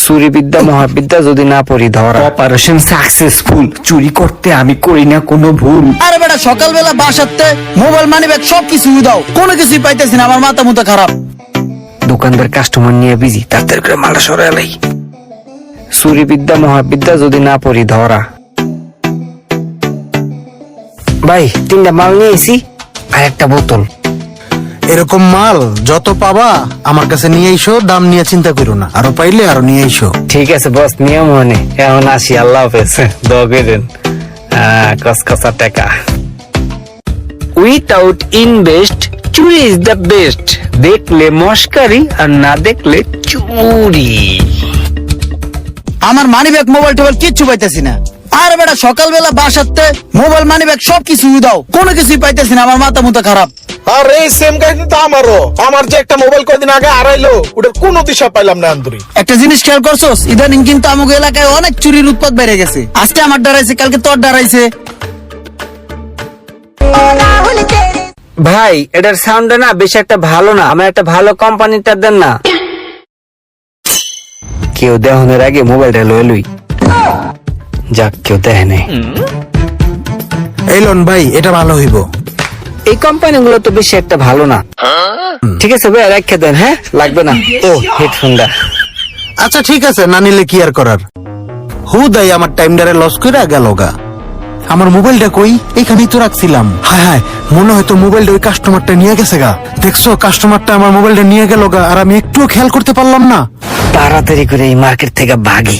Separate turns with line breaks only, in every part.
চুরি বিদ্যা মহাবিদ্যা যদি না পড়ি ধরা। Operation successful. চুরি করতে আমি করি না কোনো ভুল।
আরে বেটা সকালবেলা বাসাতে মোবাইল মানি ব্যাগ সবকিছু দাও, কোনো কিছুই পাইতেছি না, আমার মাথা মুথা খারাপ।
দোকানদার কাস্টমার নিয়ে বিজি, তাড়াতাড়ি করে মালটা সরাই। চুরি বিদ্যা মহাবিদ্যা যদি না পড়ি ধরা। ভাই 3টা মাল নিয়ে এসি আর একটা বোতল।
এরকম মাল যত পাবা আমার কাছে নিয়ে এসো, দাম নিয়ে চিন্তা করো না, আরো পাইলে আরো নিয়ে এসো।
ঠিক আছে বস, নিয়ম মনে। এখন আসি, আল্লাহ হাফেজ। দোয়া করেন। কসকসা টাকা। উইথাউট ইনভেস্ট চুরি ইজ দ্য বেস্ট। দেখলে মস্কারি আর না দেখলে চুরি।
আমার মানি ব্যাগ মোবাইল টোবাইল কিচ্ছু পাইতেছি না। আরে বেটা সকালবেলা বাসাতে মোবাইল মানি ব্যাগ সবকিছু দাও, কোনো কিছুই পাইতেছি না, আমার মাথা মুথা খারাপ।
আর এই সেম কাহিনী তো আমারও। আমার যে একটা মোবাইল কদিন আগে হারাইলো, ওটার কোনো দিশা পাইলাম না আন্তরি।
একটা জিনিস খেয়াল করছোস, ইদানিং কিন্তু আমাকে এলাকায় অনেক চুরির উৎপাত বেড়ে গেছে। আজকে আমার ডরাইছে, কালকে তোর ডরাইছে।
ভাই এটার সাউন্ড না বেশ একটা ভালো না, আমার একটা ভালো কোম্পানিটা দেন না। কেউ দেহনের আগে মোবাইলটা লয়ে লই। যাক, কেউ দেখে নাই।
এই লোন ভাই, এটা ভালো হইব।
এই কোম্পানি গুলো তো বেশি একটা ভালো না। ঠিক আছে ভাই, রেখে দেন। হ্যাঁ, লাগবে না। ও হেডফোনটা।
আচ্ছা ঠিক আছে, না নিলে কি আর করার। হুদাই আমার টাইমটারে লস করে গেল গা। আমার মোবাইলটা কই? এইখানেই তো রাখছিলাম। হায় হায়, মনে হয়তো মোবাইলটা ওই কাস্টমারটা নিয়ে গেছে গা। দেখছো, কাস্টমারটা আমার মোবাইলটা নিয়ে গেল গা, আর আমি একটুও খেয়াল করতে পারলাম না।
তাড়াতাড়ি করে এই মার্কেট থেকে ভাগি।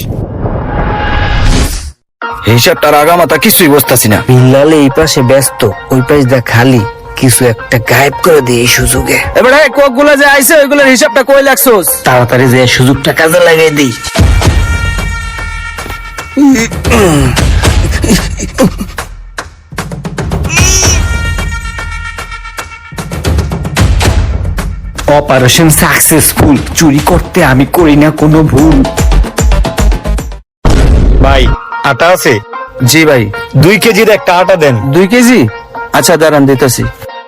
হিসাবটার আগামাতা কিছুই বুঝতেছি না।
বিল্লাল এই পাশে ব্যস্ত, ওই পাশ দা খালি। কিছু একটা গায়েব করে দিয়ে এই সুযোগে।
এবারে কোক গুলা যে আইছে ওইগুলোর হিসাবটা কই লাগছোস?
তাড়াতাড়ি যে সুযোগটা কাজে লাগাই দিই। Operation successful. চুরি করতে আমি করি না কোনো ভুল।
ভাই আটা আছে?
জি ভাই।
2 কেজির একটা আটা দেন।
2 কেজি? আচ্ছা দাঁড়ান, দিতেছি।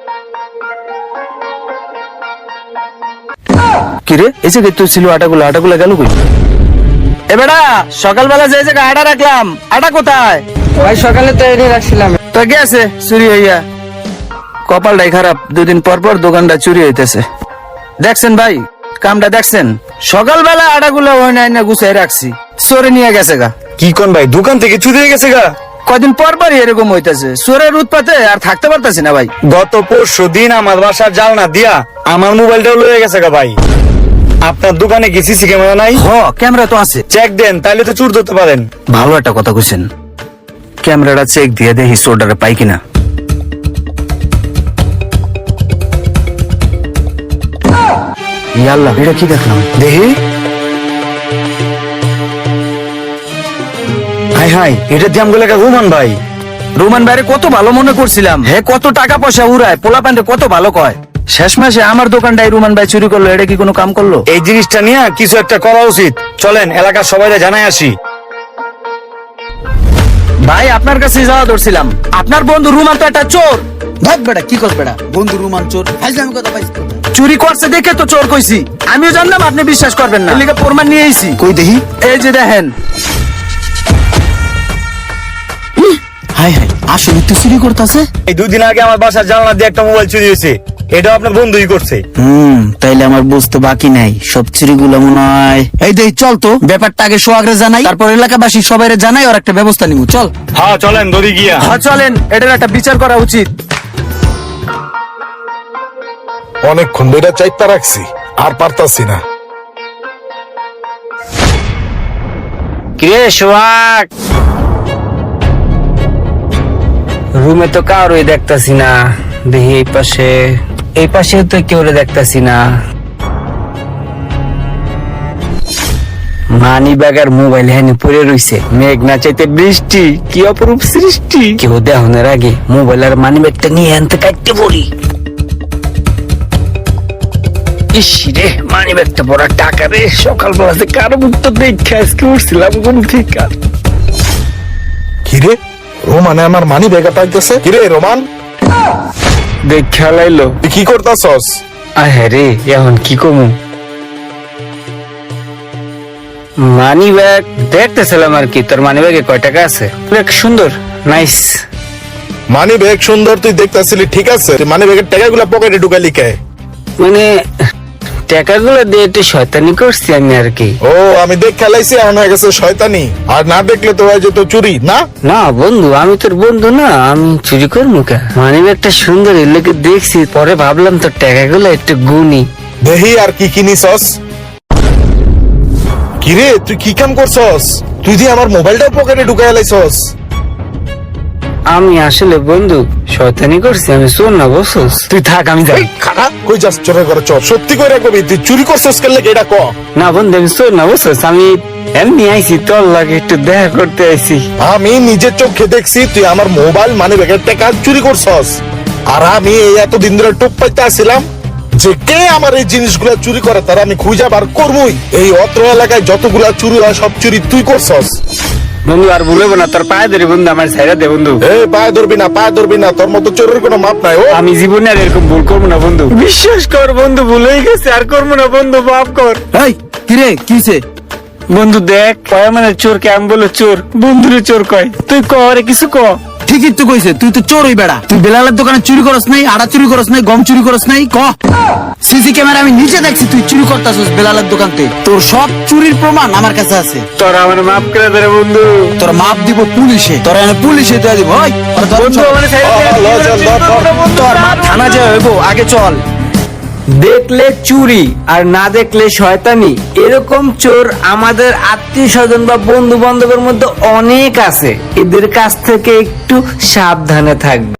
কিরে, এই যে তুই ছিল আটাগুলো গেল কই?
এবারে সকালবেলা যে জায়গায় আটা রাখলাম, আটা কোথায়?
ভাই সকালে তো এনে রাখছিলাম।
তো গেছে চুরি হইয়া। কপালটাই খারাপ, 2 দিন পর পর দোকানটা চুরি হইতেছে। দেখছেন ভাই, কামটা দেখছেন? সকালবেলা আটাগুলো ওই না গুছাই রাখছি, চোরে নিয়ে গেছে গা।
কি কোন ভাই, দোকান থেকে চুরি হয়ে গেছে গা?
কদিন পর পরই এরকম হইতেছে। চোরের উৎপাতে আর থাকতে পারতেছি না ভাই।
গত পরশু দিন আমার বাসার জালনা দিয়া আমার মোবাইলটাও লয়ে গেছে গা ভাই। আপনার দোকানে কি সিসি ক্যামেরা নাই?
হ, ক্যামেরা তো আছে।
চেক দেন, তাইলে তো চুর ধরতে পারেন।
ভালো একটা কথা কইছেন, ক্যামেরাটা চেক দিয়ে দেখি চোরটারে পাই কিনা। ইয়াল্লাহ, এটা কি দেখলাম?
দেখি। হাই হাই, এটা দিয়ে আমগুলো রোমান ভাই।
রোমান ভাইরে কত ভালো মনে করছিলাম, হে কত টাকা পয়সা উড়ায়, পোলা প্যান্টে কত ভালো কয়। শেষ মাসে আমার দোকানটাই রোমান ভাই চুরি করলো। এটা কি কোনো কাম করলো?
এই জিনিসটা নিয়ে কিছু একটা করা উচিত। চলেন এলাকার সবাইকে জানাই আসি।
ভাই আপনার কাছে যাওয়া ধরছিলাম, আপনার বন্ধু রোমান তো একটা চোর।
ভাগ বেটা, কি কর বেটা, বন্ধু রুমান চোর, ফাইজলামি কথা পাইছি।
চুরি করছে দেখে তো চোর কইছি। আমিও জানলাম, আপনি বিশ্বাস করবেন না, এলিগে প্রমাণ নিয়ে আইছি।
কই দেখি।
এই যে দেখেন।
হাই হাই, আসলে তুই চুরি করতেছে?
এই 2 দিন আগে আমার বাসার জানলা দিয়ে একটা মোবাইল চুরি হয়েছে। এটা আপনার বন্ধুই করছে।
তাইলে আমার বুঝতে বাকি নাই, সব চুরিগুলো মনে হয়। এই দেখ, চল তো ব্যাপারটা আগে সোহাগরে জানাই, তারপর এলাকাবাসী সবাইরে জানাই, আর একটা ব্যবস্থা নিব। চল।
হ্যাঁ চলেন, দড়ি গিয়া।
হ্যাঁ চলেন, এটার একটা বিচার করা উচিত।
অনেকক্ষণ ধরে চাইতে রাখছি, আর পারতাছি না।
কিরে সোহাগ, রুমে তো কারোই দেখতাছি না। দেখি এই পাশে তো কেউ দেখতাছি না। মানি ব্যাগ আর মোবাইল হ্যানি পড়ে রইছে। মেঘ না চাইতে বৃষ্টি, কি অপরূপ সৃষ্টি। কেউ দেহনের আগে মোবাইল আর মানি ব্যাগটা নিয়ে আনতে কাটতে পড়ি। ইস রে, মানি ব্যাগটা পড়া টাকা রে। সকালবেলা যে কারো মুখ তো দেখে আজকে উঠছিলাম কোন ঠিক আর।
কিরে, রোমানে আমার মানি ব্যাগটা পাইতেছে। কিরে রোমান,
দেখ খেলাইলো।
তুই কি করতাছস?
আরে এখন কি কমু? মানি ব্যাগ দেখতেছিলাম আর কি, তোর মানি ব্যাগে কয় টাকা আছে? ব্যাগ সুন্দর, নাইস।
মানি ব্যাগ সুন্দর তুই দেখতেছিলি, ঠিক আছে, মানি ব্যাগের টাকাগুলো পকেটে ঢুকালি কে?
মানে টাকাগুলো দিয়ে একটু শয়তানি করছি আমি আর কি।
ও আমি দেখ খেলাইছি, এখন হয়ে গেছে শয়তানি। আর না দেখলে তো হয়ে যেত চুরি, না?
না বন্ধু, আমি তোর বন্ধু না, আমি চুরি করবো কে? মানি ব্যাগটা সুন্দর, এর লোকে দেখছি, পরে ভাবলাম তোর টাকাগুলো একটু গুনি।
দেহি আর কি কিনিসস? কিরে তুই কি কাম করছস? তুই যে আমার মোবাইলটাও পকেটে ঢুকাই লাইছস।
আমি আসলে বন্ধু শয়তানি করছি, আমি চোর না বসস। তুই থাক, আমি যাই।
এই খারাপ কই যাস চোরের ঘরে? চোর সত্যি কইরা কবি তুই চুরি করছস কেন লাগে এটা ক।
না বন্ধু, আমি চোর না বসস, আমি এমনি আইছি, তোর লাগে একটু দেখা করতে আইছি।
আমি নিজের চোখে দেখছি তুই আমার মোবাইল মানি ব্যাগের টাকা চুরি করছস। আর আমি এই এতদিন ধরে টুক পাইতে আসছিলাম যে কে আমার এই জিনিসগুলো চুরি করে, তার আমি খুঁজে বার করবই। এই অত্র এলাকায় যতগুলা চুরি হয় সব চুরি তুই করছস।
বন্ধু আর ভুলবো না, তোর পায়ে ধরে বন্ধু, আমার ছাইরা দে বন্ধু।
এই পায়ে ধরবি না, পায়ে ধরবি না, তোর মতো চোরের কোনো মাপ নাই। ও
আমি জীবনে আর এরকম ভুল করবো না বন্ধু, বিশ্বাস কর বন্ধু, ভুল হয়ে গেছে, আর করবো না বন্ধু, মাফ কর।
এই কিরে কিছে?
বন্ধু দেখ, কয় মানে চোর কে আমি বলে চোর, বন্ধুরে চোর কয়, তুই করে কিছু ক।
ঠিকই তো কইছে, তুই তো চোরই বেড়া। তুই বেলালের দোকানে চুরি করস নাই, আড়া চুরি করস নাই, গম চুরি করস নাই, ক। সিসি ক্যামেরা আমি নিজে দেখছি তুই চুরি করতাছস বেলালের দোকানতে। তোর সব চুরির প্রমাণ আমার কাছে আছে।
তোরা আমার মাফ করে দে রে বন্ধু।
তোর মাপ দিব পুলিশে, তোর এনে পুলিশে দিয়ে দিব। ওই ওরা ধর,
বন্ধু
চল।
আমার ছাইরা দে,
ল, চল, ধর, ধর।
তোর মাপ থানা যায় হইব, আগে চল।
দেখলে চুরি আর না দেখলে শয়তানি, এরকম চোর আমাদের আত্মীয় স্বজন বা বন্ধু বান্ধবের মধ্যে অনেক আছে, এদের কাছ থেকে একটু সাবধানে থাকবে।